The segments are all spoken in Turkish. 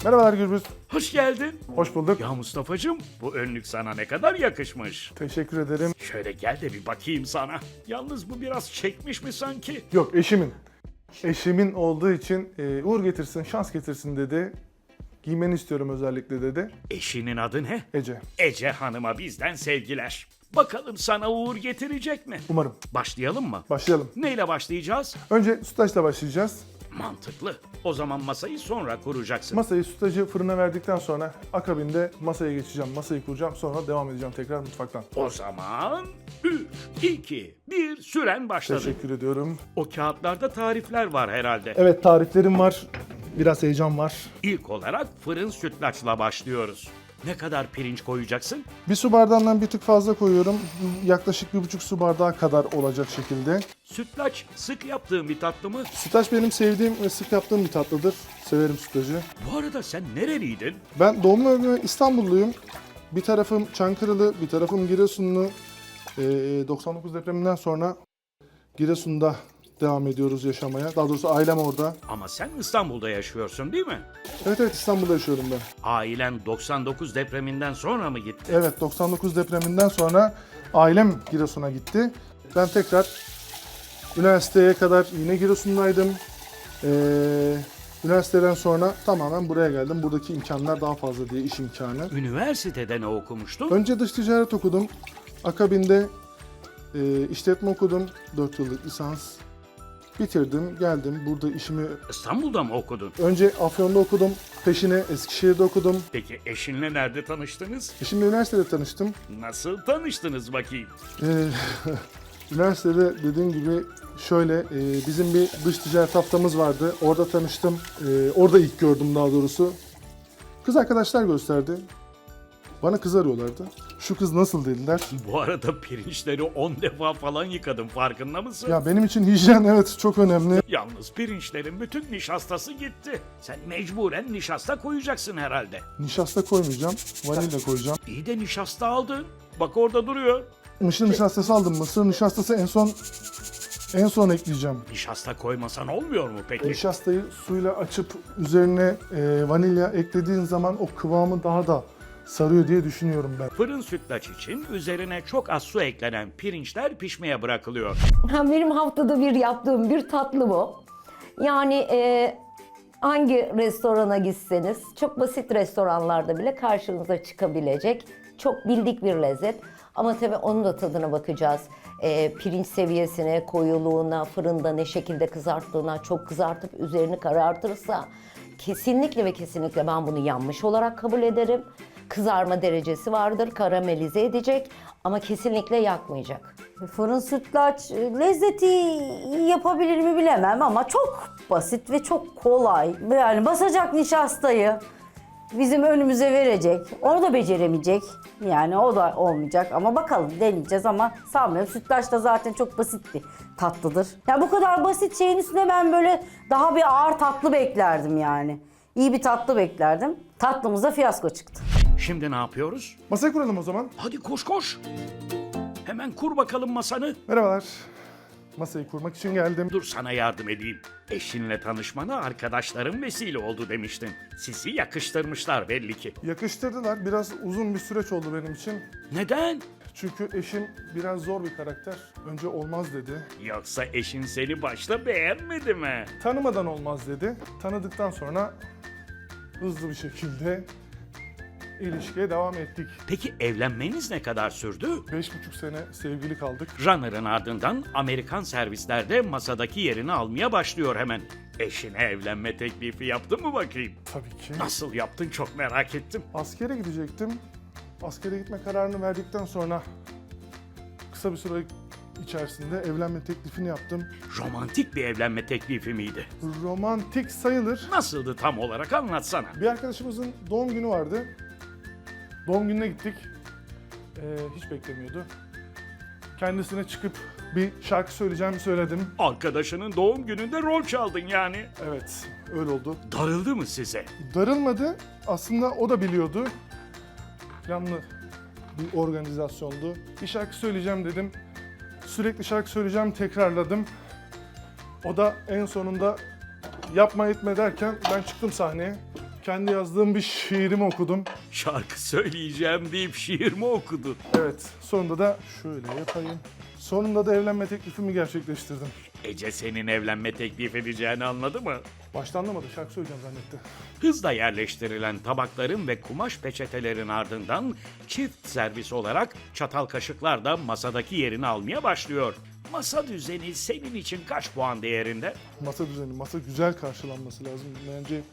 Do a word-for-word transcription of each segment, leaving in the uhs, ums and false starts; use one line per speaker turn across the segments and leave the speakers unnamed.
Merhabalar Gürbüz.
Hoş geldin.
Hoş bulduk.
Ya Mustafa'cığım, bu önlük sana ne kadar yakışmış.
Teşekkür ederim.
Şöyle gel de bir bakayım sana. Yalnız bu biraz çekmiş mi sanki?
Yok, eşimin. Eşimin olduğu için e, uğur getirsin, şans getirsin dedi. Giymeni istiyorum özellikle dedi.
Eşinin adı ne?
Ece.
Ece Hanım'a bizden sevgiler. Bakalım sana uğur getirecek mi?
Umarım.
Başlayalım mı?
Başlayalım.
Neyle başlayacağız?
Önce sütlaçla başlayacağız.
Mantıklı. O zaman masayı sonra kuracaksın.
Masayı sütlacı fırına verdikten sonra akabinde masaya geçeceğim. Masayı kuracağım, sonra devam edeceğim tekrar mutfaktan.
O zaman üç, iki, bir süren başladı.
Teşekkür ediyorum.
O kağıtlarda tarifler var herhalde.
Evet, tariflerim var. Biraz heyecan var.
İlk olarak fırın sütlaçla başlıyoruz. Ne kadar pirinç koyacaksın?
Bir su bardağından bir tık fazla koyuyorum. Yaklaşık bir buçuk su bardağı kadar olacak şekilde.
Sütlaç sık yaptığın bir tatlı mı?
Sütlaç benim sevdiğim ve sık yaptığım bir tatlıdır. Severim sütlacı.
Bu arada sen nereliydin?
Ben doğma büyüme İstanbulluyum. Bir tarafım Çankırılı, bir tarafım Giresunlu. Ee, doksan dokuz depreminden sonra Giresun'da devam ediyoruz yaşamaya. Daha doğrusu ailem orada.
Ama sen İstanbul'da yaşıyorsun değil mi?
Evet evet, İstanbul'da yaşıyorum ben.
Ailen doksan dokuz depreminden sonra mı gitti?
Evet, doksan dokuz depreminden sonra ailem Giresun'a gitti. Ben tekrar üniversiteye kadar yine Giresun'daydım. Ee, üniversiteden sonra tamamen buraya geldim. Buradaki imkanlar daha fazla diye, iş imkanı.
Üniversitede ne okumuştun?
Önce dış ticaret okudum. Akabinde e, işletme okudum. dört yıllık lisans. Bitirdim, geldim. Burada işimi...
İstanbul'da mı okudun?
Önce Afyon'da okudum. Peşine Eskişehir'de okudum.
Peki eşinle nerede tanıştınız?
Eşimle üniversitede tanıştım.
Nasıl tanıştınız bakayım?
Ee, üniversitede dediğim gibi şöyle, e, bizim bir dış ticaret haftamız vardı. Orada tanıştım. E, orada ilk gördüm daha doğrusu. Kız arkadaşlar gösterdi. Bana kız arıyorlardı. Şu kız nasıl dediler.
Bu arada pirinçleri on defa falan yıkadım, farkında mısın?
Ya benim için hijyen evet çok önemli.
Yalnız pirinçlerin bütün nişastası gitti. Sen mecburen nişasta koyacaksın herhalde.
Nişasta koymayacağım. Vanilya koyacağım.
İyi de nişasta aldın. Bak orada duruyor.
Mısır nişastası aldım. Mısır nişastası en son en son ekleyeceğim.
Nişasta koymasan olmuyor mu peki?
Nişastayı suyla açıp üzerine e, vanilya eklediğin zaman o kıvamı daha da sarıyor diye düşünüyorum ben.
Fırın sütlaç için üzerine çok az su eklenen pirinçler pişmeye bırakılıyor.
Benim haftada bir yaptığım bir tatlı bu. Yani e, hangi restorana gitseniz, çok basit restoranlarda bile karşınıza çıkabilecek çok bildik bir lezzet. Ama tabii onun da tadına bakacağız. E, pirinç seviyesine, koyuluğuna, fırında ne şekilde kızarttığına, çok kızartıp üzerini karartırsa kesinlikle ve kesinlikle ben bunu yanmış olarak kabul ederim. Kızarma derecesi vardır, karamelize edecek ama kesinlikle yakmayacak.
Fırın sütlaç lezzeti yapabilir mi bilemem ama çok basit ve çok kolay. Yani basacak nişastayı bizim önümüze verecek. Onu da beceremeyecek. Yani o da olmayacak ama bakalım, deneyeceğiz ama sanmıyorum. Sütlaç da zaten çok basit bir tatlıdır. Ya bu kadar basit şeyin üstüne ben böyle daha bir ağır tatlı beklerdim yani. İyi bir tatlı beklerdim. Tatlımızda fiyasko çıktı.
Şimdi ne yapıyoruz?
Masaya kuralım o zaman.
Hadi koş koş. Hemen kur bakalım masanı.
Merhabalar. Masayı kurmak için geldim.
Dur sana yardım edeyim. Eşinle tanışmana arkadaşların vesile oldu demiştin. Sizi yakıştırmışlar belli ki.
Yakıştırdılar. Biraz uzun bir süreç oldu benim için.
Neden?
Çünkü eşim biraz zor bir karakter. Önce olmaz dedi.
Yoksa eşin seni başta beğenmedi mi?
Tanımadan olmaz dedi. Tanıdıktan sonra hızlı bir şekilde ilişkiye devam ettik.
Peki evlenmeniz ne kadar sürdü?
Beş buçuk sene sevgili kaldık.
Runner'ın ardından Amerikan servislerde masadaki yerini almaya başlıyor hemen. Eşine evlenme teklifi yaptın mı bakayım?
Tabii ki.
Nasıl yaptın çok merak ettim.
Askere gidecektim. Askere gitme kararını verdikten sonra kısa bir süre içerisinde evlenme teklifini yaptım.
Romantik bir evlenme teklifi miydi?
Romantik sayılır.
Nasıldı tam olarak anlatsana.
Bir arkadaşımızın doğum günü vardı. Doğum gününe gittik. Ee, hiç beklemiyordu. Kendisine çıkıp bir şarkı söyleyeceğimi söyledim.
Arkadaşının doğum gününde rol çaldın yani.
Evet, öyle oldu.
Darıldı mı size?
Darılmadı. Aslında o da biliyordu. Planlı bir organizasyondu. Bir şarkı söyleyeceğim dedim. Sürekli şarkı söyleyeceğim tekrarladım. O da en sonunda yapma etme derken ben çıktım sahneye. kendi yazdığım bir şiirimi okudum.
Şarkı söyleyeceğim deyip şiir mi okudun?
Evet, sonunda da şöyle yapayım. Sonunda da evlenme teklifimi gerçekleştirdim.
Ece senin evlenme teklif edeceğini anladı mı?
Başta anlamadı, şarkı söyleyeceğim zannetti.
Hızla yerleştirilen tabakların ve kumaş peçetelerin ardından çift servis olarak çatal kaşıklar da masadaki yerini almaya başlıyor. Masa düzeni senin için kaç puan değerinde?
Masa düzeni, masa güzel karşılanması lazım. Bence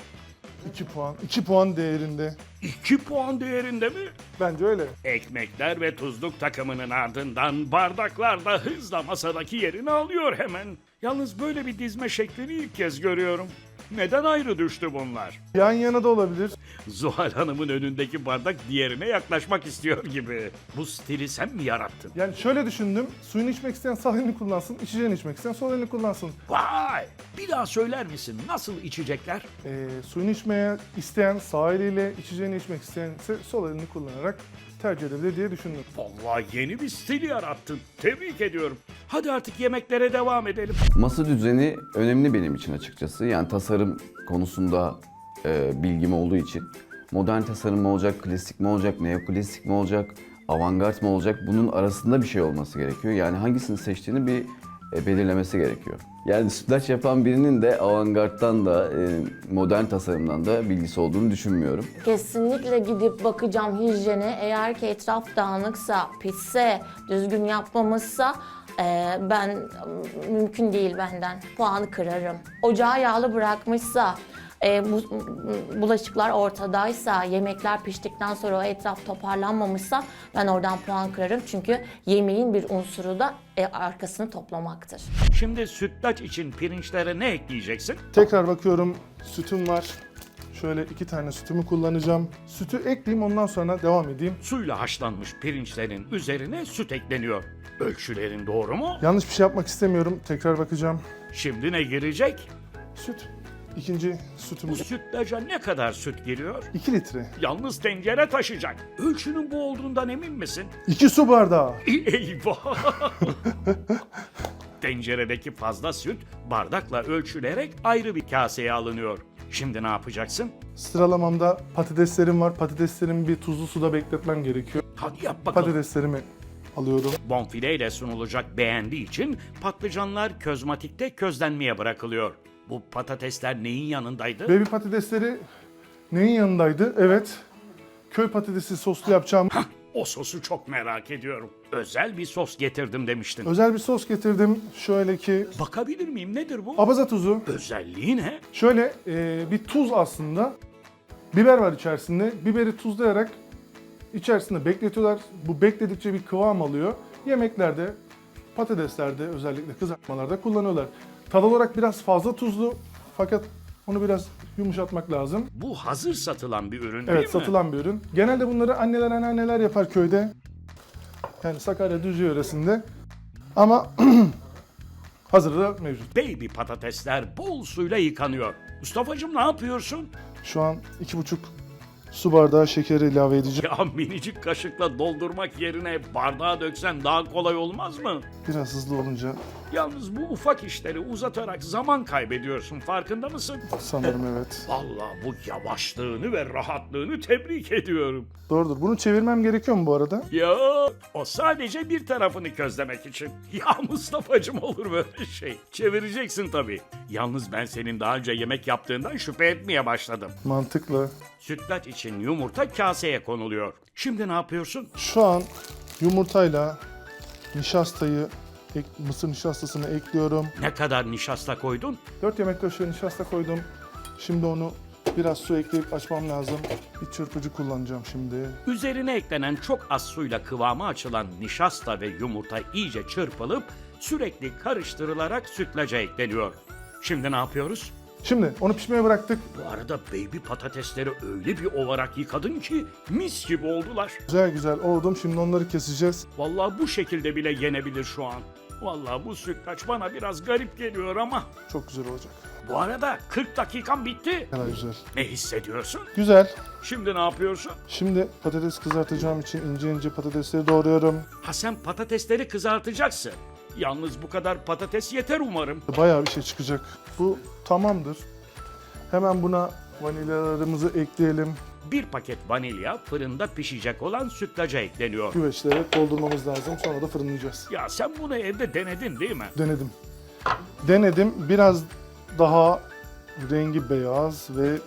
iki puan, iki puan değerinde.
iki puan değerinde mi?
Bence öyle.
Ekmekler ve tuzluk takımının ardından bardaklar da hızla masadaki yerini alıyor hemen. Yalnız böyle bir dizme şeklini ilk kez görüyorum. Neden ayrı düştü bunlar?
Yan yana da olabilir.
Zuhal Hanım'ın önündeki bardak diğerine yaklaşmak istiyor gibi. Bu stili sen mi yarattın?
Yani şöyle düşündüm, suyunu içmek isteyen sağ elini kullansın, içeceğini içmek isteyen sol elini kullansın.
Vay! Bir daha söyler misin? Nasıl içecekler?
Ee, suyunu içmeye isteyen sağ eliyle, içeceğini içmek isteyen ise sol elini kullanarak tercih edebilir diye düşündüm.
Vallahi yeni bir stil yarattın. Tebrik ediyorum. Hadi artık yemeklere devam edelim.
Masa düzeni önemli benim için açıkçası. Yani tasarım konusunda e, bilgim olduğu için. Modern tasarım mı olacak, klasik mi olacak, neoklasik mi olacak, avantgard mı olacak? Bunun arasında bir şey olması gerekiyor. Yani hangisini seçtiğini bir e, belirlemesi gerekiyor. Yani sütlaç yapan birinin de avantgardtan da e, modern tasarımdan da bilgisi olduğunu düşünmüyorum.
Kesinlikle gidip bakacağım hijyene. Eğer ki etraf dağınıksa, pisse, düzgün yapmamışsa e, ben mümkün değil benden. Puanı kırarım. Ocağı yağlı bırakmışsa, e, bu, bulaşıklar ortadaysa, yemekler piştikten sonra o etraf toparlanmamışsa ben oradan puan kırarım. Çünkü yemeğin bir unsuru da e, arkasını toplamaktır.
Şimdi sütlaç için pirinçlere ne ekleyeceksin?
Tekrar bakıyorum, sütüm var. Şöyle iki tane sütümü kullanacağım. Sütü ekleyeyim, ondan sonra devam edeyim.
Suyla haşlanmış pirinçlerin üzerine süt ekleniyor. Ölçülerin doğru mu?
Yanlış bir şey yapmak istemiyorum, tekrar bakacağım.
Şimdi ne girecek?
Süt. İkinci
Bu
sütümüz
sütlaca ne kadar süt giriyor?
iki litre.
Yalnız tencere taşıyacak. Ölçünün bu olduğundan emin misin?
iki su bardağı.
Eyvah! Tenceredeki fazla süt bardakla ölçülerek ayrı bir kaseye alınıyor. Şimdi ne yapacaksın?
Sıralamamda patateslerim var. Patateslerimi bir tuzlu suda bekletmem gerekiyor.
Hadi yap bakalım.
Patateslerimi alıyorum.
Bonfileyle sunulacak beğendiği için patlıcanlar közmatikte közlenmeye bırakılıyor. Bu patatesler neyin yanındaydı?
Baby patatesleri neyin yanındaydı? Evet. Köy patatesi soslu yapacağım.
Hah, o sosu çok merak ediyorum. Özel bir sos getirdim demiştin.
Özel bir sos getirdim. Şöyle ki
Bakabilir miyim? Nedir bu?
abaza tuzu.
Özelliği ne?
Şöyle e, bir tuz aslında. Biber var içerisinde. Biberi tuzlayarak içerisinde bekletiyorlar. Bu bekledikçe bir kıvam alıyor. Yemeklerde, patateslerde, özellikle kızartmalarda kullanıyorlar. Tad olarak biraz fazla tuzlu fakat onu biraz yumuşatmak lazım.
Bu hazır satılan bir ürün değil
Evet,
mi?
satılan bir ürün. Genelde bunları anneler anneanneler yapar köyde. Yani Sakarya Düzce yöresinde. Ama hazırı da mevcut.
Baby patatesler bol suyla yıkanıyor. Mustafa'cığım ne yapıyorsun?
Şu an iki buçuk su bardağı şeker ilave edeceğim.
Ya minicik kaşıkla doldurmak yerine bardağa döksen daha kolay olmaz mı?
Biraz hızlı olunca
Yalnız bu ufak işleri uzatarak zaman kaybediyorsun, farkında mısın?
sanırım evet.
Vallahi bu yavaşlığını ve rahatlığını tebrik ediyorum.
Doğrudur. Bunu çevirmem gerekiyor mu bu arada?
Ya o sadece bir tarafını közlemek için. Ya Mustafa'cığım olur böyle şey. Çevireceksin tabii. Yalnız ben senin daha önce yemek yaptığından şüphe etmeye başladım.
Mantıklı.
Sütlaç için yumurta kaseye konuluyor. Şimdi ne yapıyorsun?
Şu an yumurtayla nişastayı, ek- mısır nişastasını ekliyorum.
Ne kadar nişasta koydun?
dört yemek kaşığı nişasta koydum. Şimdi onu biraz su ekleyip açmam lazım. Bir çırpıcı kullanacağım şimdi.
Üzerine eklenen çok az suyla kıvamı açılan nişasta ve yumurta iyice çırpılıp sürekli karıştırılarak sütlaca ekleniyor. Şimdi ne yapıyoruz?
Şimdi onu pişmeye bıraktık.
Bu arada baby patatesleri öyle bir olarak yıkadın ki mis gibi oldular.
Güzel güzel oldum. Şimdi onları keseceğiz.
Vallahi bu şekilde bile yenebilir şu an. Vallahi bu sütlaç bana biraz garip geliyor ama.
Çok güzel olacak.
Bu arada kırk dakikan bitti.
Ne kadar güzel.
Ne hissediyorsun?
Güzel.
Şimdi ne yapıyorsun?
Şimdi patates kızartacağım için ince ince patatesleri doğruyorum.
Ha sen patatesleri kızartacaksın. Yalnız bu kadar patates yeter umarım.
Bayağı bir şey çıkacak. Bu tamamdır. Hemen buna Vanilyalarımızı ekleyelim.
Bir paket vanilya fırında pişecek olan sütlaca ekleniyor.
Güveçlere doldurmamız lazım. Sonra da fırınlayacağız.
Ya sen bunu evde denedin değil mi?
Denedim. Denedim. Biraz daha rengi beyaz ve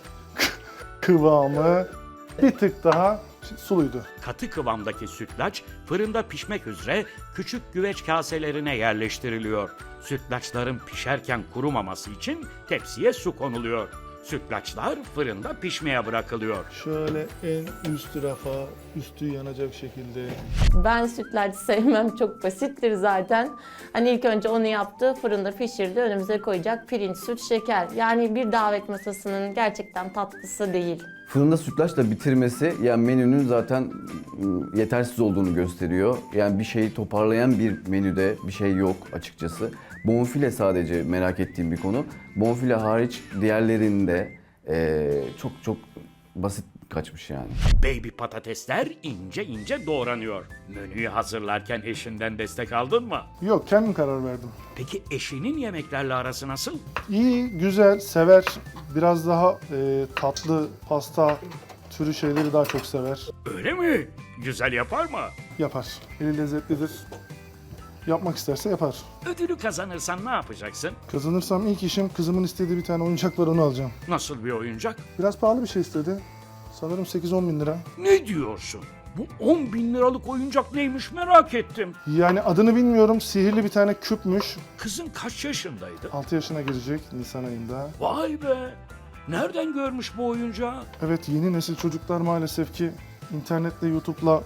kıvamı bir tık daha suluydu.
Katı kıvamdaki sütlaç fırında pişmek üzere küçük güveç kaselerine yerleştiriliyor. Sütlaçların pişerken kurumaması için tepsiye su konuluyor. Sütlaçlar fırında pişmeye bırakılıyor.
Şöyle en üst rafa, üstü yanacak şekilde.
Ben sütlaç sevmem, çok basittir zaten. Hani ilk önce onu yaptı, fırında pişirdi, önümüze koyacak pirinç, süt, şeker. Yani bir davet masasının gerçekten tatlısı değil.
Fırında sütlaçla bitirmesi yani menünün zaten ım, yetersiz olduğunu gösteriyor. Yani bir şeyi toparlayan bir menüde bir şey yok açıkçası. Bonfile sadece merak ettiğim bir konu. Bonfile hariç diğerlerinde eee, çok çok basit kaçmış yani.
Baby patatesler ince ince doğranıyor. Menüyü hazırlarken eşinden destek aldın mı?
Yok, kendim karar verdim.
Peki eşinin yemeklerle arası nasıl?
İyi, güzel, sever. Biraz daha e, tatlı, pasta türü şeyleri daha çok sever.
Öyle mi? Güzel yapar mı?
Yapar. Eli lezzetlidir. Yapmak isterse yapar.
Ödülü kazanırsan ne yapacaksın?
Kazanırsam ilk işim kızımın istediği bir tane oyuncak var, onu alacağım.
Nasıl bir oyuncak?
Biraz pahalı bir şey istedi. Sanırım sekiz on bin lira.
Ne diyorsun? Bu on bin liralık oyuncak neymiş merak ettim.
Yani adını bilmiyorum. Sihirli bir tane küpmüş.
Kızın kaç yaşındaydı?
altı yaşına girecek Nisan ayında.
Vay be! Nereden görmüş bu oyuncağı?
Evet, yeni nesil çocuklar maalesef ki internetle, YouTube'la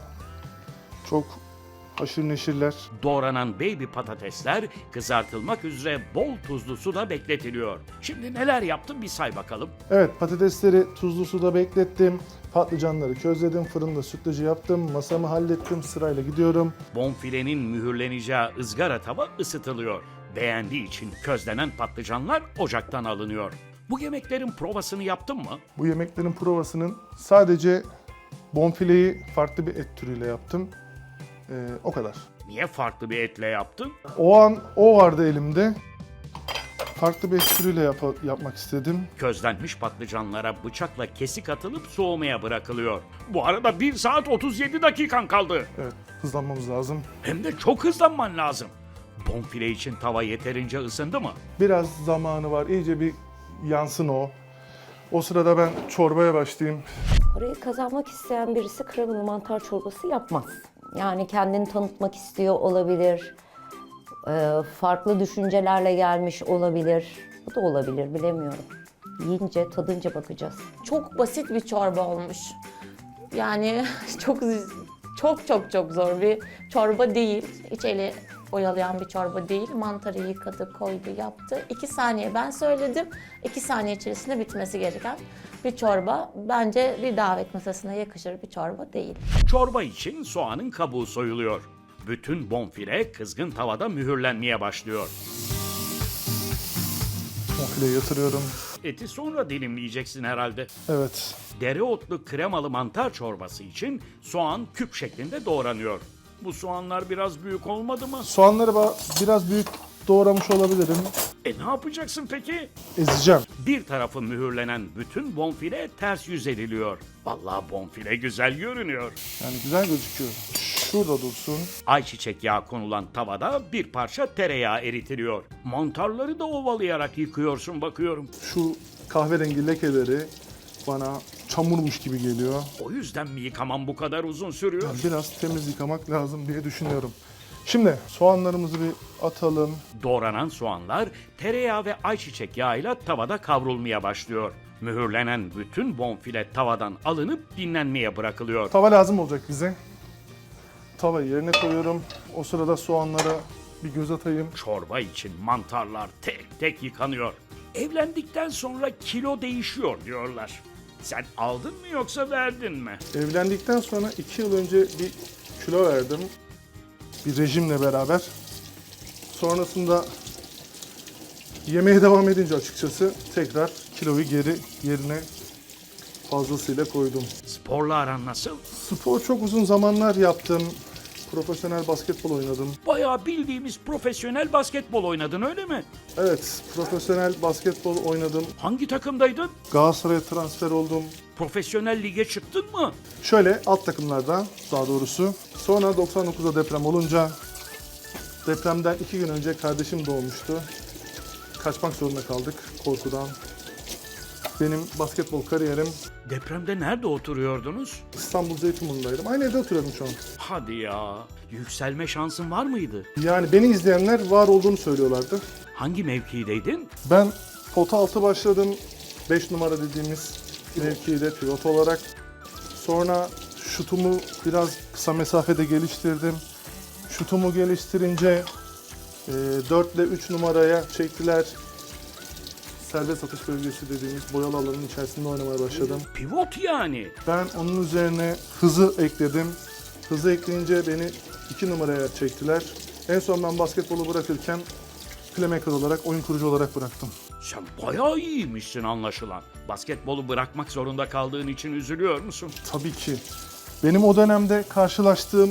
çok haşır neşirler.
Doğranan baby patatesler kızartılmak üzere bol tuzlu suda bekletiliyor. Şimdi neler yaptın bir say bakalım.
Evet, patatesleri tuzlu suda beklettim. Patlıcanları közledim, fırında sütlacı yaptım, masamı hallettim, sırayla gidiyorum.
Bonfilenin mühürleneceği ızgara tava ısıtılıyor. Beğendiği için közlenen patlıcanlar ocaktan alınıyor. Bu yemeklerin provasını yaptın mı?
Bu yemeklerin provasının sadece bonfileyi farklı bir et türüyle yaptım. Ee, o kadar.
Niye farklı bir etle yaptın?
O an o vardı elimde. Farklı bir et türüyle yap- yapmak istedim.
Közlenmiş patlıcanlara bıçakla kesik atılıp soğumaya bırakılıyor. Bu arada bir saat otuz yedi dakikan kaldı.
Evet, hızlanmamız lazım.
Hem de çok hızlanman lazım. Bonfile için tava yeterince ısındı mı?
Biraz zamanı var, iyice bir yansın o. O sırada ben çorbaya başlayayım.
Parayı kazanmak isteyen birisi kremalı mantar çorbası yapmaz. Yani kendini tanıtmak istiyor olabilir. Ee, farklı düşüncelerle gelmiş olabilir. Bu da olabilir, bilemiyorum. Yiyince, tadınca bakacağız.
Çok basit bir çorba olmuş. Yani çok çok çok çok zor bir çorba değil. Hiç eli oyalayan bir çorba değil. Mantarı yıkadı, koydu, yaptı. İki saniye ben söyledim. İki saniye içerisinde bitmesi gereken bir çorba. Bence bir davet masasına yakışır bir çorba değil.
Çorba için soğanın kabuğu soyuluyor. Bütün bonfile kızgın tavada mühürlenmeye başlıyor.
Bonfileyi yatırıyorum.
Eti sonra dilimleyeceksin herhalde.
Evet.
Dereotlu kremalı mantar çorbası için soğan küp şeklinde doğranıyor. Bu soğanlar biraz büyük olmadı mı?
Soğanları ba- biraz büyük doğramış olabilirim.
E ne yapacaksın peki?
Ezeceğim.
Bir tarafı mühürlenen bütün bonfile ters yüz ediliyor. Vallahi bonfile güzel görünüyor.
Yani güzel gözüküyor. Şurada dursun.
Ayçiçek yağı konulan tavada bir parça tereyağı eritiliyor. Mantarları da ovalayarak yıkıyorsun bakıyorum.
Şu kahverengi lekeleri bana çamurmuş gibi geliyor.
O yüzden mi yıkamam bu kadar uzun sürüyor?
Yani biraz temiz yıkamak lazım diye düşünüyorum. Şimdi soğanlarımızı bir atalım.
Doğranan soğanlar tereyağı ve ayçiçek yağıyla tavada kavrulmaya başlıyor. Mühürlenen bütün bonfile tavadan alınıp dinlenmeye bırakılıyor.
Tava lazım olacak bize. Tavayı yerine koyuyorum. O sırada soğanlara bir göz atayım.
Çorba için mantarlar tek tek yıkanıyor. Evlendikten sonra kilo değişiyor diyorlar. Sen aldın mı yoksa verdin mi?
Evlendikten sonra iki yıl önce bir kilo verdim. Bir rejimle beraber. Sonrasında yemeğe devam edince açıkçası tekrar kiloyu geri yerine fazlasıyla koydum.
Sporla aran nasıl?
Spor çok uzun zamanlar yaptım. profesyonel basketbol oynadım.
Bayağı bildiğimiz profesyonel basketbol oynadın öyle mi?
Evet, profesyonel basketbol oynadım.
Hangi takımdaydın?
Galatasaray'a transfer oldum.
Profesyonel lige çıktın mı?
Şöyle alt takımlardan daha doğrusu. Sonra doksan dokuzda deprem olunca depremden iki gün önce kardeşim doğmuştu. Kaçmak zorunda kaldık korkudan. Benim basketbol kariyerim
Depremde nerede oturuyordunuz?
İstanbul Zeytinburnu'ndaydım. Aynı evde oturuyorum şu an.
Hadi ya. Yükselme şansın var mıydı?
Yani beni izleyenler var olduğunu söylüyorlardı.
Hangi mevkideydin?
Ben pota altı başladım. beş numara dediğimiz mevkide pivot olarak. Sonra şutumu biraz kısa mesafede geliştirdim. Şutumu geliştirince e, dört ile üç numaraya çektiler. Serbest atış bölgesi dediğimiz boyalı alanın içerisinde oynamaya başladım.
Pivot yani.
Ben onun üzerine hızı ekledim. Hızı ekleyince beni iki numaraya çektiler. En son ben basketbolu bırakırken playmaker olarak, oyun kurucu olarak bıraktım.
Sen bayağı iyiymişsin anlaşılan. Basketbolu bırakmak zorunda kaldığın için üzülüyor musun?
Tabii ki. Benim o dönemde karşılaştığım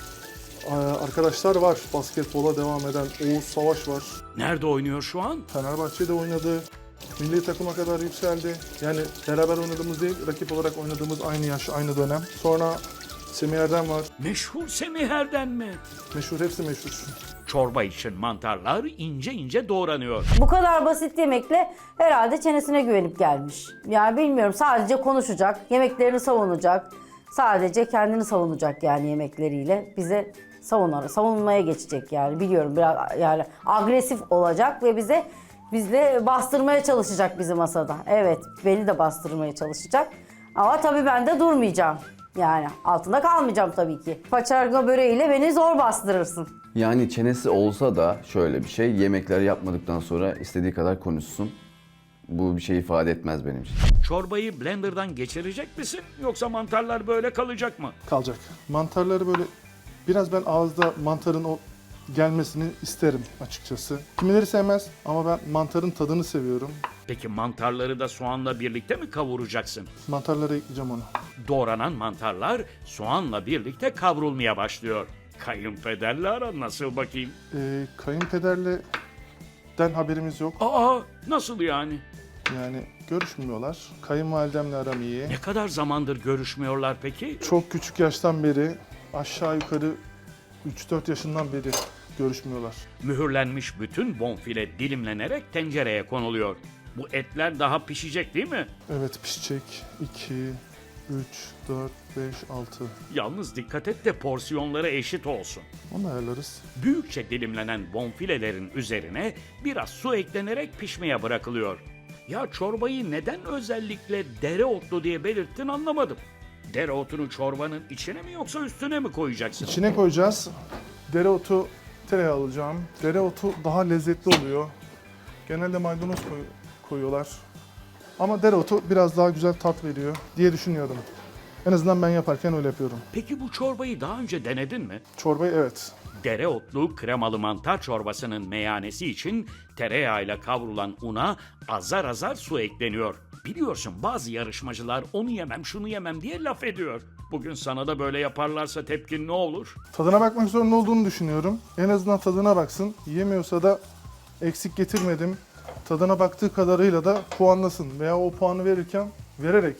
e, arkadaşlar var. Basketbola devam eden Oğuz Savaş var.
Nerede oynuyor şu an?
Fenerbahçe'de oynadı. Milli takıma kadar yükseldi. Yani beraber oynadığımız değil, rakip olarak oynadığımız aynı yaş, aynı dönem. Sonra Semih Erdem var.
Meşhur Semih Erdem mi?
Meşhur, hepsi meşhur.
Çorba için mantarlar ince ince doğranıyor.
Bu kadar basit yemekle herhalde çenesine güvenip gelmiş. Yani bilmiyorum, sadece konuşacak, yemeklerini savunacak. Sadece kendini savunacak yani yemekleriyle. Bize savunar, savunmaya geçecek yani, biliyorum, biraz yani agresif olacak ve bize bizle bastırmaya çalışacak bizi masada. Evet, beni de bastırmaya çalışacak. Ama tabii ben de durmayacağım. Yani altında kalmayacağım tabii ki. Paçanga böreğiyle beni zor bastırırsın.
Yani çenesi olsa da şöyle bir şey, yemekler yapmadıktan sonra istediği kadar konuşsun. Bu bir şey ifade etmez benim için.
Çorbayı blenderdan geçirecek misin yoksa mantarlar böyle kalacak mı?
Kalacak. Mantarları böyle biraz ben ağızda mantarın o gelmesini isterim açıkçası. Kimileri sevmez ama ben mantarın tadını seviyorum.
Peki mantarları da soğanla birlikte mi kavuracaksın?
Mantarlara ekleyeceğim onu.
Doğranan mantarlar soğanla birlikte kavrulmaya başlıyor. Kayınpederle aran nasıl bakayım?
Ee, kayınpederle den haberimiz yok.
Aa, nasıl yani?
Yani görüşmüyorlar. Kayınvalidemle aram iyi.
Ne kadar zamandır görüşmüyorlar peki?
Çok küçük yaştan beri, aşağı yukarı üç dört yaşından beri görüşmüyorlar.
Mühürlenmiş bütün bonfile dilimlenerek tencereye konuluyor. Bu etler daha pişecek değil mi?
Evet, pişecek. iki, üç, dört, beş, altı.
Yalnız dikkat et de porsiyonları eşit olsun.
Onu ayarlarız.
Büyükçe dilimlenen bonfilelerin üzerine biraz su eklenerek pişmeye bırakılıyor. Ya çorbayı neden özellikle dereotlu diye belirttin anlamadım. Dereotunu çorbanın içine mi yoksa üstüne mi koyacaksın?
İçine koyacağız. Dereotu, tereyağı alacağım. Dereotu daha lezzetli oluyor. Genelde maydanoz koy- koyuyorlar. Ama dereotu biraz daha güzel tat veriyor diye düşünüyorum. En azından ben yaparken öyle yapıyorum.
Peki bu çorbayı daha önce denedin mi?
Çorbayı evet.
Dereotlu kremalı mantar çorbasının meyanesi için tereyağıyla kavrulan una azar azar su ekleniyor. Biliyorsun bazı yarışmacılar onu yemem şunu yemem diye laf ediyor. Bugün sana da böyle yaparlarsa tepkin ne olur?
Tadına bakmak zorunda olduğunu düşünüyorum. En azından tadına baksın. Yemiyorsa da eksik getirmedim. Tadına baktığı kadarıyla da puanlasın. Veya o puanı verirken vererek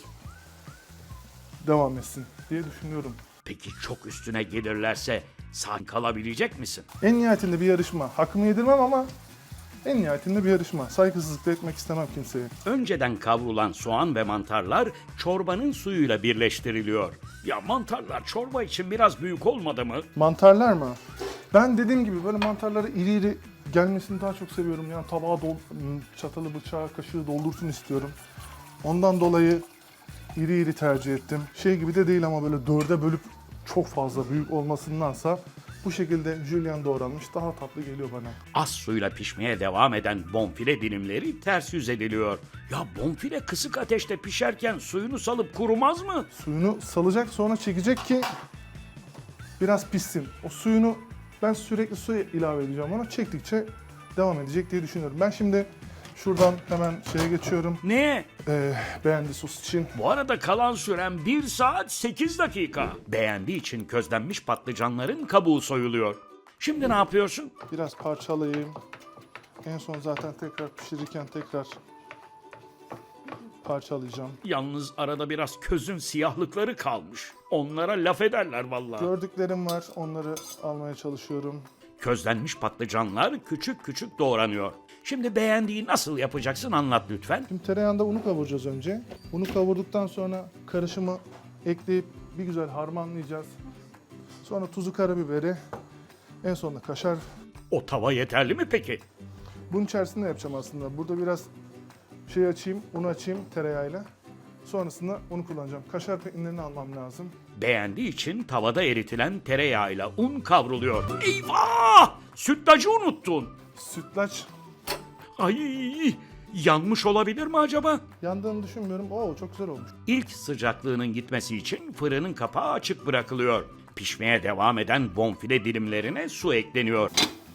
devam etsin diye düşünüyorum.
Peki çok üstüne gelirlerse sağ kalabilecek misin?
En nihayetinde bir yarışma. Hakkımı yedirmem ama en nihayetinde bir yarışma. Saygısızlık da etmek istemem kimseye.
Önceden kavrulan soğan ve mantarlar çorbanın suyuyla birleştiriliyor. Ya mantarlar çorba için biraz büyük olmadı mı?
Mantarlar mı? Ben dediğim gibi böyle mantarları iri iri gelmesini daha çok seviyorum. Yani tabağa dol, çatalı, bıçağı, kaşığı doldursun istiyorum. Ondan dolayı iri iri tercih ettim. Şey gibi de değil ama böyle dörde bölüp çok fazla büyük olmasındansa bu şekilde jülyen doğranmış daha tatlı geliyor bana.
Az suyla pişmeye devam eden bonfile dilimleri ters yüz ediliyor. Ya bonfile kısık ateşte pişerken suyunu salıp kurumaz mı?
Suyunu salacak, sonra çekecek ki biraz pişsin. O suyunu ben sürekli su ilave edeceğim ona. Çektikçe devam edecek diye düşünüyorum. Ben şimdi Şuradan hemen şeye geçiyorum.
Ne?
Ee, beğendi sos için.
Bu arada kalan süren bir saat sekiz dakika. Beğendiği için közlenmiş patlıcanların kabuğu soyuluyor. Şimdi ne yapıyorsun?
Biraz parçalayayım. En son zaten tekrar pişirirken tekrar parçalayacağım.
Yalnız arada biraz közün siyahlıkları kalmış. Onlara laf ederler vallahi.
Gördüklerim var, onları almaya çalışıyorum.
Közlenmiş patlıcanlar küçük küçük doğranıyor. Şimdi beğendiği nasıl yapacaksın anlat lütfen.
Şimdi tereyağında unu kavuracağız önce. Unu kavurduktan sonra karışımı ekleyip bir güzel harmanlayacağız. Sonra tuzu, karabiberi, en sonunda kaşar.
O tava yeterli mi peki?
Bunun içerisinde yapacağım aslında. Burada biraz şey açayım, unu açayım tereyağıyla. Sonrasında unu kullanacağım. Kaşar peynirini almam lazım.
Beğendiği için tavada eritilen tereyağıyla un kavruluyor. Eyvah! Sütlacı unuttun.
Sütlaç
Ay! Yanmış olabilir mi acaba?
yandığını düşünmüyorum. Oo, çok güzel olmuş.
İlk sıcaklığının gitmesi için fırının kapağı açık bırakılıyor. Pişmeye devam eden bonfile dilimlerine su ekleniyor.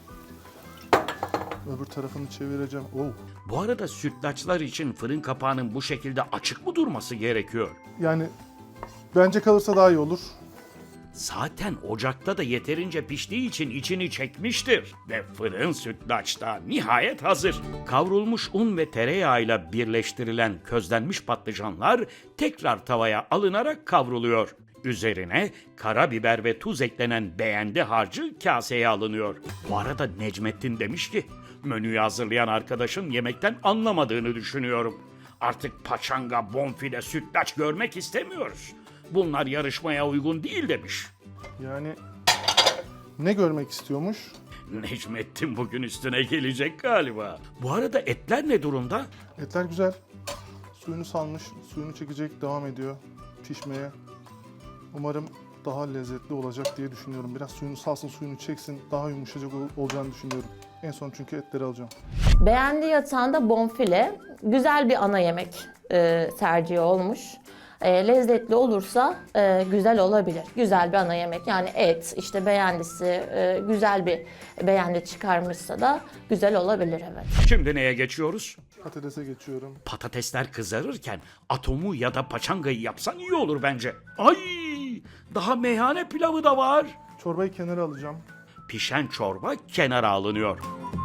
Öbür tarafını çevireceğim. Oo.
Bu arada sütlaçlar için fırın kapağının bu şekilde açık mı durması gerekiyor?
Yani bence kalırsa daha iyi olur.
Zaten ocakta da yeterince piştiği için içini çekmiştir. Ve fırın sütlaç da nihayet hazır. Kavrulmuş un ve tereyağıyla birleştirilen közlenmiş patlıcanlar tekrar tavaya alınarak kavruluyor. Üzerine karabiber ve tuz eklenen beğendi harcı kaseye alınıyor. Bu arada Necmettin demiş ki, menüyü hazırlayan arkadaşın yemekten anlamadığını düşünüyorum. Artık paçanga, bonfile, sütlaç görmek istemiyoruz. Bunlar yarışmaya uygun değil demiş.
Yani ne görmek istiyormuş?
Necmettin bugün üstüne gelecek galiba. Bu arada etler ne durumda?
Etler güzel. Suyunu salmış, suyunu çekecek, devam ediyor pişmeye. Umarım daha lezzetli olacak diye düşünüyorum. Biraz suyunu salsın, suyunu çeksin, daha yumuşacık ol- olacağını düşünüyorum. En son çünkü etleri alacağım.
Beğendiği yatağında bonfile güzel bir ana yemek e, tercihi olmuş. E, lezzetli olursa e, güzel olabilir. Güzel bir ana yemek. Yani et, işte beğendisi e, güzel bir beğendi çıkarmışsa da güzel olabilir, evet.
Şimdi neye geçiyoruz?
Patatese geçiyorum.
Patatesler kızarırken atomu ya da paçangayı yapsan iyi olur bence. Ay! Daha meyhane pilavı da var.
Çorbayı kenara alacağım.
Pişen çorba kenara alınıyor.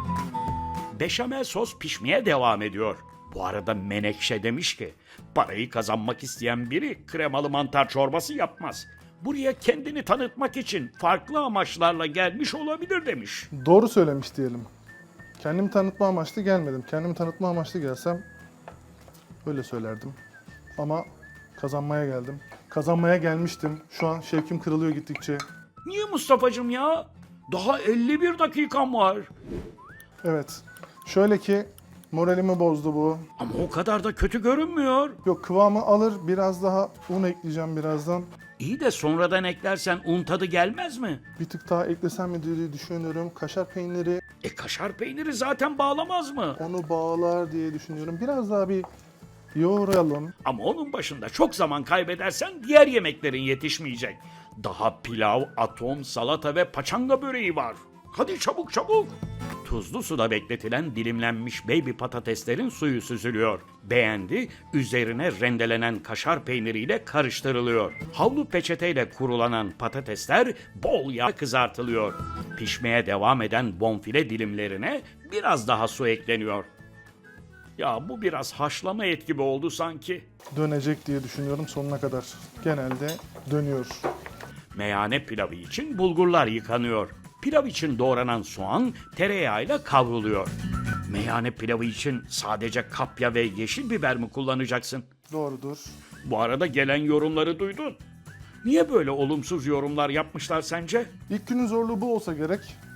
Beşamel sos pişmeye devam ediyor. Bu arada Menekşe demiş ki, parayı kazanmak isteyen biri kremalı mantar çorbası yapmaz. Buraya kendini tanıtmak için farklı amaçlarla gelmiş olabilir demiş.
Doğru söylemiş diyelim. Kendimi tanıtma amaçlı gelmedim. Kendimi tanıtma amaçlı gelsem öyle söylerdim. Ama kazanmaya geldim. Kazanmaya gelmiştim. Şu an şevkim kırılıyor gittikçe.
Niye Mustafa'cığım ya? Daha elli bir dakikam var.
Evet. Şöyle ki moralimi bozdu bu.
Ama o kadar da kötü görünmüyor.
Yok, kıvamı alır. Biraz daha un ekleyeceğim birazdan.
İyi de sonradan eklersen un tadı gelmez mi?
Bir tık daha eklesem mi diye düşünüyorum. Kaşar peyniri
E kaşar peyniri zaten bağlamaz mı?
onu bağlar diye düşünüyorum. Biraz daha bir yoğuralım.
Ama onun başında çok zaman kaybedersen diğer yemeklerin yetişmeyecek. Daha pilav, atom, salata ve paçanga böreği var. Hadi çabuk çabuk. Tuzlu suda bekletilen dilimlenmiş baby patateslerin suyu süzülüyor. Beğendi, üzerine rendelenen kaşar peyniriyle karıştırılıyor. Havlu peçeteyle kurulanan patatesler bol yağ kızartılıyor. Pişmeye devam eden bonfile dilimlerine biraz daha su ekleniyor. Ya bu biraz haşlama et gibi oldu sanki.
Dönecek diye düşünüyorum sonuna kadar. Genelde dönüyor.
Meyhane pilavı için bulgurlar yıkanıyor. Pilav için doğranan soğan tereyağıyla kavruluyor. Meyhane pilavı için sadece kapya ve yeşil biber mi kullanacaksın?
Doğrudur.
Bu arada gelen yorumları duydun. Niye böyle olumsuz yorumlar yapmışlar sence?
İlk günün zorluğu bu olsa gerek.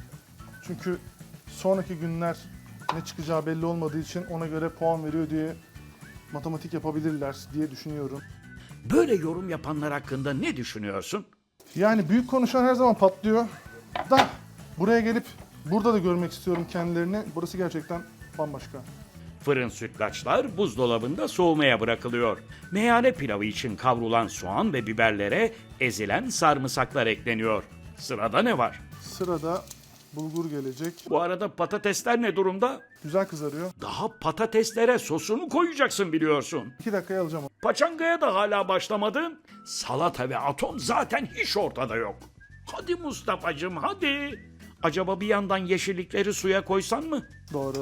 Çünkü sonraki günler ne çıkacağı belli olmadığı için ona göre puan veriyor diye matematik yapabilirler diye düşünüyorum.
Böyle yorum yapanlar hakkında ne düşünüyorsun?
Yani büyük konuşan her zaman patlıyor. Da buraya gelip burada da görmek istiyorum kendilerini. Burası gerçekten bambaşka.
Fırın sütlaçlar buzdolabında soğumaya bırakılıyor. Meyhane pilavı için kavrulan soğan ve biberlere ezilen sarımsaklar ekleniyor. Sırada ne var?
Sırada bulgur gelecek.
Bu arada patatesler ne durumda?
Güzel kızarıyor.
Daha patateslere sosunu koyacaksın biliyorsun.
iki dakikaya alacağım.
Paçangaya da hala başlamadın. Salata ve atom zaten hiç ortada yok. Hadi Mustafa'cığım hadi. Acaba bir yandan yeşillikleri suya koysan mı?
Doğru.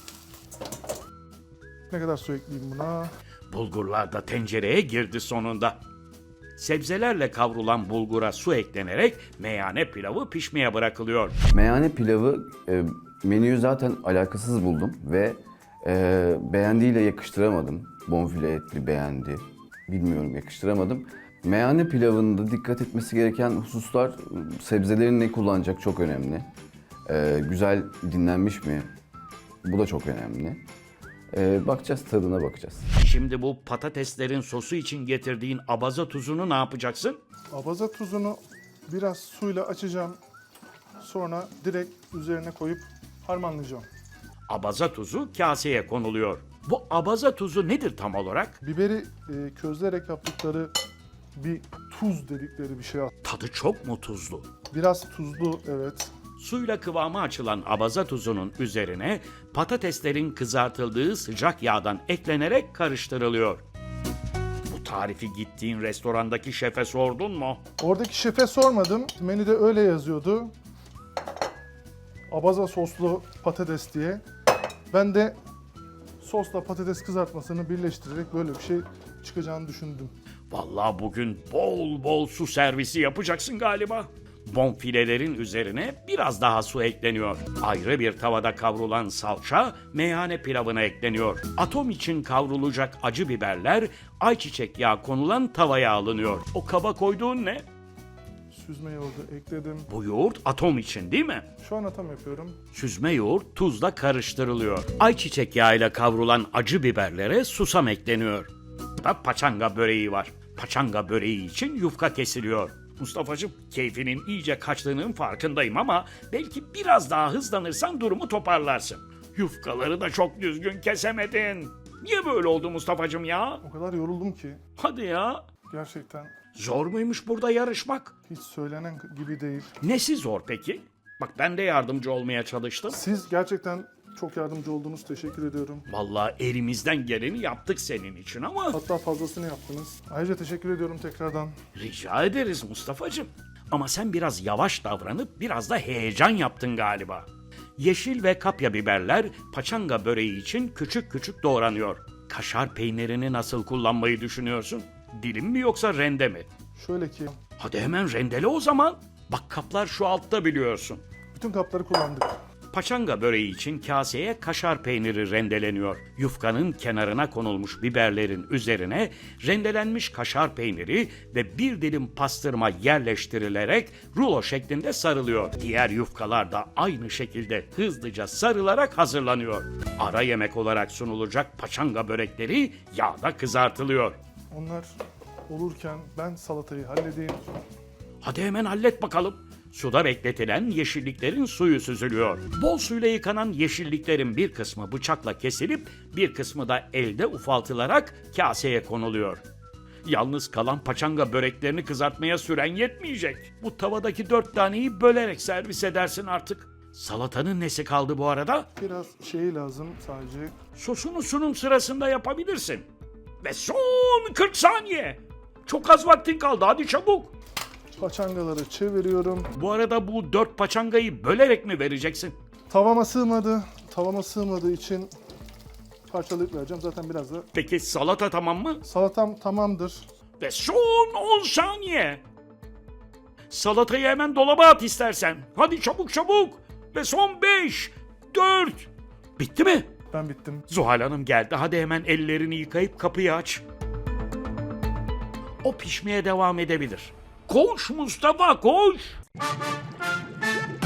Ne kadar su ekleyeyim buna?
Bulgurlar da tencereye girdi sonunda. Sebzelerle kavrulan bulgura su eklenerek meyhane pilavı pişmeye bırakılıyor.
Meyhane pilavı e, menüyü zaten alakasız buldum ve e, beğendiğiyle yakıştıramadım. Bonfile etli beğendi. Bilmiyorum, yakıştıramadım. Meyhane pilavında dikkat etmesi gereken hususlar, sebzelerin ne kullanacak çok önemli. E, güzel dinlenmiş mi? Bu da çok önemli. E, bakacağız, tadına bakacağız.
Şimdi bu patateslerin sosu için getirdiğin abaza tuzunu ne yapacaksın?
Abaza tuzunu biraz suyla açacağım. Sonra direkt üzerine koyup harmanlayacağım.
Abaza tuzu kaseye konuluyor. Bu abaza tuzu nedir tam olarak?
Biberi e, közlerek yaptıkları bir tuz dedikleri bir şey.
Tadı çok mu tuzlu?
Biraz tuzlu, evet.
Suyla kıvamı açılan abaza tuzunun üzerine patateslerin kızartıldığı sıcak yağdan eklenerek karıştırılıyor. Bu tarifi gittiğin restorandaki şefe sordun mu?
Oradaki şefe sormadım. Menüde öyle yazıyordu. Abaza soslu patates diye. Ben de sosla patates kızartmasını birleştirerek böyle bir şey çıkacağını düşündüm.
Vallahi bugün bol bol su servisi yapacaksın galiba. Bonfilelerin üzerine biraz daha su ekleniyor. Ayrı bir tavada kavrulan salça meyhane pilavına ekleniyor. Atom için kavrulacak acı biberler ayçiçek yağı konulan tavaya alınıyor. O kaba koyduğun ne?
Süzme yoğurdu ekledim.
Bu yoğurt atom için değil mi?
Şu an atam yapıyorum.
Süzme yoğurt tuzla karıştırılıyor. Ayçiçek yağıyla kavrulan acı biberlere susam ekleniyor. Da paçanga böreği var. Paçanga böreği için yufka kesiliyor. Mustafa'cığım, keyfinin iyice kaçtığının farkındayım ama belki biraz daha hızlanırsan durumu toparlarsın. Yufkaları da çok düzgün kesemedin. Niye böyle oldu Mustafa'cığım ya?
O kadar yoruldum ki
Hadi ya.
gerçekten
Zor muymuş burada yarışmak?
hiç söylenen gibi değil.
Nesi zor peki? Bak ben de yardımcı olmaya çalıştım.
Siz gerçekten çok yardımcı oldunuz. Teşekkür ediyorum.
Vallahi elimizden geleni yaptık senin için ama
Hatta fazlasını yaptınız. Ayrıca teşekkür ediyorum tekrardan.
rica ederiz Mustafa'cığım. Ama sen biraz yavaş davranıp biraz da heyecan yaptın galiba. Yeşil ve kapya biberler paçanga böreği için küçük küçük doğranıyor. Kaşar peynirini nasıl kullanmayı düşünüyorsun? Dilim mi yoksa rende mi?
Şöyle ki
Hadi hemen rendele o zaman. Bak kaplar şu altta biliyorsun.
bütün kapları kullandık.
Paçanga böreği için kaseye kaşar peyniri rendeleniyor. Yufkanın kenarına konulmuş biberlerin üzerine rendelenmiş kaşar peyniri ve bir dilim pastırma yerleştirilerek rulo şeklinde sarılıyor. Diğer yufkalar da aynı şekilde hızlıca sarılarak hazırlanıyor. Ara yemek olarak sunulacak paçanga börekleri yağda kızartılıyor.
Onlar olurken ben salatayı halledeyim.
Hadi hemen hallet bakalım. Suda bekletilen yeşilliklerin suyu süzülüyor. Bol suyla yıkanan yeşilliklerin bir kısmı bıçakla kesilip bir kısmı da elde ufaltılarak kaseye konuluyor. Yalnız kalan paçanga böreklerini kızartmaya süren yetmeyecek. Bu tavadaki dört taneyi bölerek servis edersin artık. Salatanın nesi kaldı bu arada?
Biraz şey lazım sadece.
Sosunu sunum sırasında yapabilirsin. Ve son kırk saniye. Çok az vaktin kaldı, hadi çabuk.
Paçangaları çeviriyorum.
Bu arada bu dört paçangayı bölerek mi vereceksin?
Tavama sığmadı. Tavama sığmadığı için parçalayıp vereceğim. Zaten biraz da
Peki salata tamam mı?
salatam tamamdır.
Ve son on saniye. Salatayı hemen dolaba at istersen. Hadi çabuk çabuk. Ve son beş, dört. Bitti mi?
Ben bittim.
Zuhal Hanım geldi. Hadi hemen ellerini yıkayıp kapıyı aç. O pişmeye devam edebilir. Koş Mustafa koş.